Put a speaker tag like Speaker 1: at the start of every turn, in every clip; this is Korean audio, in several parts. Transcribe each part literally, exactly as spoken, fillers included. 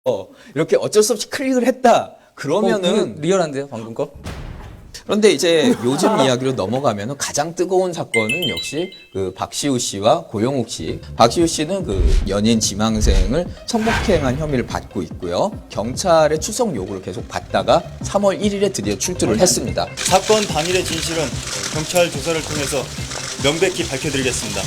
Speaker 1: 이렇게 어쩔 수 없이 클릭을 했다. 그러면은
Speaker 2: 어, 리얼한데요, 방금 거?
Speaker 1: 그런데 이제 요즘 이야기로 넘어가면은 가장 뜨거운 사건은 역시 그 박시우 씨와 고영욱 씨. 박시우 씨는 그 연인 지망생을 성폭행한 혐의를 받고 있고요. 경찰의 출석 요구를 계속 받다가 삼월 일일에 드디어 출두를 했습니다.
Speaker 3: 사건 당일의 진실은 경찰 조사를 통해서 명백히 밝혀드리겠습니다.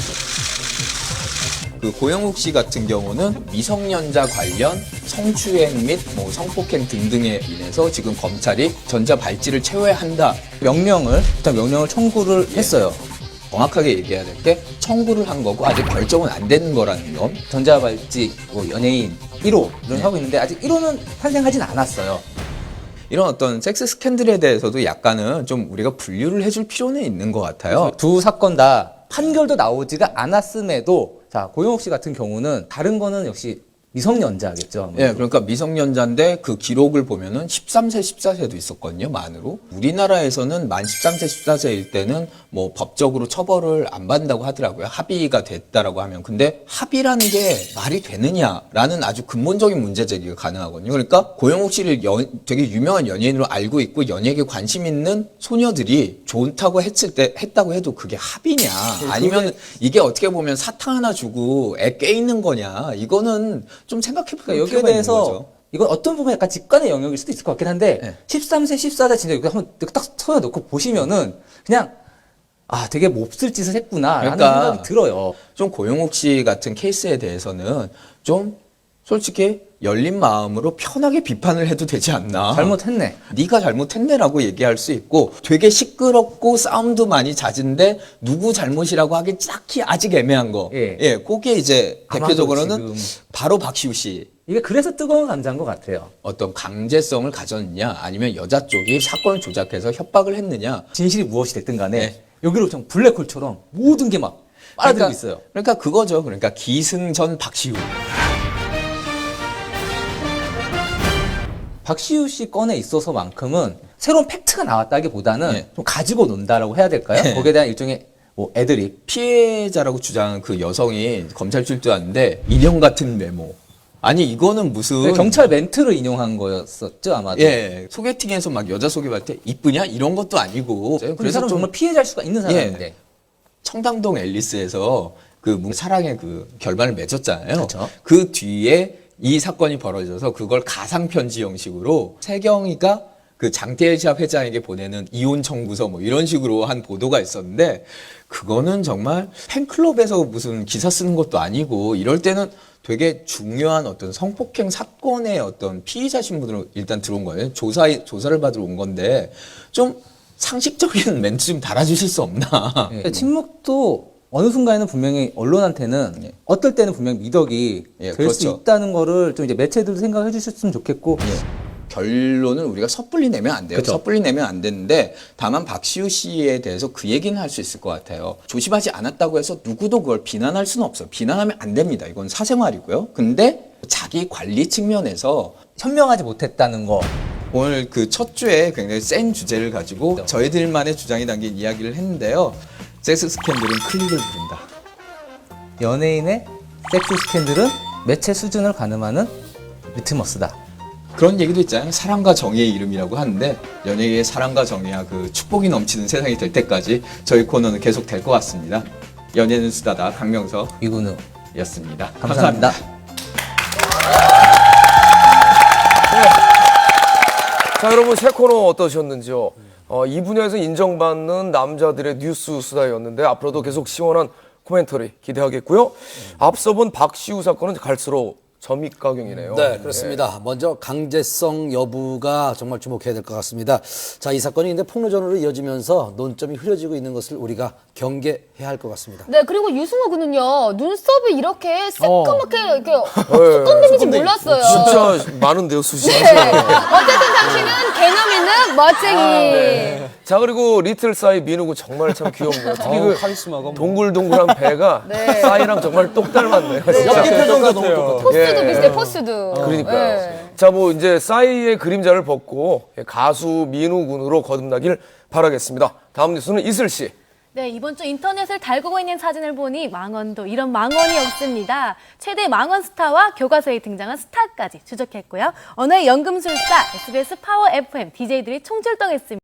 Speaker 1: 그 고영욱 씨 같은 경우는 미성년자 관련 성추행 및 뭐 성폭행 등등에 인해서 지금 검찰이 전자발찌를 채워야 한다.
Speaker 2: 명령을, 일단 명령을 청구를 했어요.
Speaker 1: 정확하게 얘기해야 될 게 청구를 한 거고 아직 결정은 안 된 거라는 점.
Speaker 2: 전자발찌, 뭐 연예인 일 호를
Speaker 1: 네.
Speaker 2: 하고 있는데 아직 일 호는 탄생하진 않았어요.
Speaker 1: 이런 어떤 섹스 스캔들에 대해서도 약간은 좀 우리가 분류를 해줄 필요는 있는 것 같아요.
Speaker 2: 두 사건 다 판결도 나오지가 않았음에도 자, 고영욱 씨 같은 경우는 다른 거는 역시 미성년자겠죠. 아무래도.
Speaker 1: 예, 그러니까 미성년자인데 그 기록을 보면은 십삼 세, 십사 세도 있었거든요, 만으로. 우리나라에서는 만 십삼 세, 십사 세일 때는 뭐 법적으로 처벌을 안 받는다고 하더라고요. 합의가 됐다라고 하면. 근데 합의라는 게 말이 되느냐라는 아주 근본적인 문제 제기가 가능하거든요. 그러니까 고영욱 씨를 연, 되게 유명한 연예인으로 알고 있고 연예계에 관심 있는 소녀들이 좋다고 했을 때, 했다고 해도 그게 합의냐. 아니면 이게 어떻게 보면 사탕 하나 주고 애 깨 있는 거냐. 이거는 좀 생각해보니까
Speaker 2: 그러니까 여기에 대해서 이건 어떤 부분 약간 직관의 영역일 수도 있을 것 같긴 한데
Speaker 1: 네.
Speaker 2: 십삼 세, 십사 세 진짜 여기 한번 딱 서여놓고 보시면은 그냥 아 되게 몹쓸 짓을 했구나라는
Speaker 1: 그러니까
Speaker 2: 생각이 들어요.
Speaker 1: 좀 고영욱 씨 같은 케이스에 대해서는 좀 솔직히 열린 마음으로 편하게 비판을 해도 되지 않나.
Speaker 2: 잘못했네.
Speaker 1: 네가 잘못했네라고 얘기할 수 있고 되게 시끄럽고 싸움도 많이 잦은데 누구 잘못이라고 하기 딱히 아직 애매한 거.
Speaker 2: 예.
Speaker 1: 예, 그게 이제
Speaker 2: 아마도
Speaker 1: 대표적으로는
Speaker 2: 지금
Speaker 1: 바로 박시우 씨.
Speaker 2: 이게 그래서 뜨거운 감자인 것 같아요.
Speaker 1: 어떤 강제성을 가졌느냐 아니면 여자 쪽이 사건을 조작해서 협박을 했느냐.
Speaker 2: 진실이 무엇이 됐든 간에
Speaker 1: 네.
Speaker 2: 여기로 좀 블랙홀처럼 모든 게 막 빨아들고
Speaker 1: 그러니까,
Speaker 2: 있어요.
Speaker 1: 그러니까 그거죠. 그러니까 기승전 박시우.
Speaker 2: 박시우 씨 건에 있어서만큼은 새로운 팩트가 나왔다기보다는
Speaker 1: 네.
Speaker 2: 좀 가지고 논다라고 해야 될까요?
Speaker 1: 네.
Speaker 2: 거기에 대한 일종의 뭐 애드립.
Speaker 1: 피해자라고 주장한 그 여성이 검찰 출두하는데 인형 같은 메모. 아니 이거는 무슨
Speaker 2: 경찰 멘트를 인용한 거였었죠 아마도.
Speaker 1: 예 소개팅에서 막 여자 소개할 때 이쁘냐 이런 것도 아니고
Speaker 2: 그
Speaker 1: 그래서
Speaker 2: 사람
Speaker 1: 좀
Speaker 2: 정말 피해자일 수가 있는 사람인데.
Speaker 1: 예, 청담동 앨리스에서 그 사랑의 그 결말을 맺었잖아요.
Speaker 2: 그렇죠.
Speaker 1: 그 뒤에 이 사건이 벌어져서 그걸 가상 편지 형식으로 세경이가 그 장태일 시합 회장에게 보내는 이혼 청구서 뭐 이런 식으로 한 보도가 있었는데 그거는 정말 팬클럽에서 무슨 기사 쓰는 것도 아니고 이럴 때는 되게 중요한 어떤 성폭행 사건의 어떤 피의자 신분으로 일단 들어온 거예요. 조사 조사를 받으러 온 건데 좀 상식적인 멘트 좀 달아주실 수 없나?
Speaker 2: 예. 침묵도 어느 순간에는 분명히 언론한테는
Speaker 1: 예.
Speaker 2: 어떨 때는 분명히 미덕이
Speaker 1: 예,
Speaker 2: 될 수
Speaker 1: 그렇죠.
Speaker 2: 있다는 거를 좀 이제 매체들도 생각해 주셨으면 좋겠고.
Speaker 1: 예. 결론은 우리가 섣불리 내면 안 돼요.
Speaker 2: 그쵸.
Speaker 1: 섣불리 내면 안 되는데 다만 박시우 씨에 대해서 그 얘기는 할 수 있을 것 같아요. 조심하지 않았다고 해서 누구도 그걸 비난할 수는 없어요. 비난하면 안 됩니다. 이건 사생활이고요. 근데 자기 관리 측면에서
Speaker 2: 현명하지 못했다는 거.
Speaker 1: 오늘 그 첫 주에 굉장히 센 주제를 가지고 저희들만의 주장이 담긴 이야기를 했는데요. 섹스 스캔들은 클릭을 부른다.
Speaker 2: 연예인의 섹스 스캔들은 매체 수준을 가늠하는 리트머스다.
Speaker 1: 그런 얘기도 있잖아요. 사랑과 정의의 이름이라고 하는데 연예계의 사랑과 정의와 그 축복이 넘치는 세상이 될 때까지 저희 코너는 계속 될 것 같습니다. 연예는 수다다 강명석이었습니다.
Speaker 2: 이근우였습니다. 감사합니다.
Speaker 1: 감사합니다.
Speaker 4: 자, 여러분 새 코너 어떠셨는지요? 어, 이 분야에서 인정받는 남자들의 뉴스 수다였는데 앞으로도 계속 시원한 코멘터리 기대하겠고요. 앞서 본 박시우 사건은 갈수록 점입가경이네요.
Speaker 5: 네, 그렇습니다. 먼저 강제성 여부가 정말 주목해야 될 것 같습니다. 자, 이 사건이 근데 폭로전으로 이어지면서 논점이 흐려지고 있는 것을 우리가 경계해야 할 것 같습니다.
Speaker 6: 네, 그리고 유승호 군은요, 눈썹이 이렇게 새까맣게 이렇게
Speaker 4: 네.
Speaker 6: 수검되는지 몰랐어요.
Speaker 4: 진짜 많은데요, 수시.
Speaker 6: 네. 어쨌든 당신은 개념 있는 멋쟁이.
Speaker 4: 아, 네. 자, 그리고 리틀 싸이 민우군 정말 참 귀여운데요. 특히 그
Speaker 2: 카리스마가
Speaker 4: 동글동글한 배가
Speaker 6: 네.
Speaker 4: 싸이랑 정말 똑 닮았네요. 진짜.
Speaker 5: 연기 표정도 너무 똑같아요.
Speaker 6: 포스도
Speaker 4: 예.
Speaker 6: 비슷해, 포스도.
Speaker 4: 그러니까요.
Speaker 6: 네.
Speaker 4: 자, 뭐 이제 싸이의 그림자를 벗고 가수 민우 군으로 거듭나길 바라겠습니다. 다음 뉴스는 이슬 씨.
Speaker 6: 네, 이번 주 인터넷을 달구고 있는 사진을 보니 망원도 이런 망원이 없습니다. 최대 망원 스타와 교과서에 등장한 스타까지 추적했고요. 언어의 연금술사, 에스비에스 파워 에프엠 디제이들이 총출동했습니다.